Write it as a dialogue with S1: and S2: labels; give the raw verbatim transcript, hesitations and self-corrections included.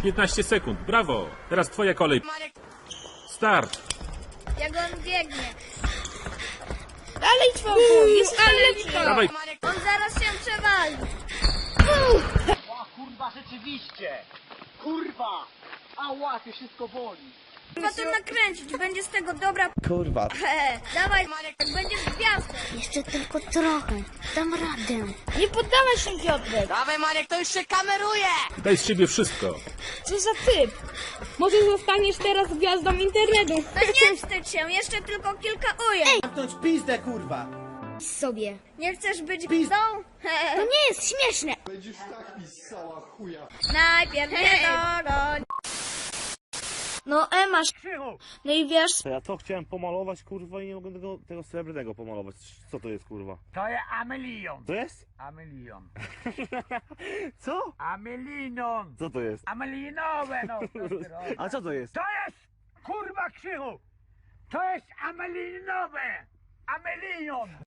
S1: piętnaście sekund, brawo! Teraz twoja kolej. Start!
S2: Jak on biegnie.
S3: Dalej czwórku, jest lepszy.
S1: Dawaj!
S2: On zaraz się przewali.
S4: O kurwa, rzeczywiście! Kurwa! Ała, to wszystko boli!
S2: Trzeba to nakręcić, będzie z tego dobra.
S5: Kurwa.
S2: He, dawaj, jak będziesz gwiazdą.
S6: Jeszcze tylko trochę. Dam radę.
S3: Nie poddawaj się, Piotrek.
S4: Dawaj Marek, to już się kameruje!
S1: Daj z siebie wszystko.
S3: Co za typ? Może zostaniesz teraz gwiazdą internetu.
S2: No nie wstydź się, jeszcze tylko kilka ujęć.
S5: Zamknąć pizdę, kurwa.
S6: Sobie.
S2: Nie chcesz być gwiazdą? He,
S6: To nie jest śmieszne.
S7: Będziesz tak pisała, chuja.
S2: najpierw nie dogoń.
S3: No Ema,
S4: Krzychu!
S3: no i wiesz,
S8: To ja to chciałem pomalować, kurwa, i nie mogę tego, tego srebrnego pomalować. Co to jest, kurwa?
S4: To jest Amelion!
S8: To jest?
S4: Amelion!
S8: Co?
S4: Amelinon!
S8: Co to jest?
S4: Amelinowe, no! co ty robisz?
S8: A co to jest?
S4: To jest, kurwa Krzychu! To jest amelinowe! Amelion!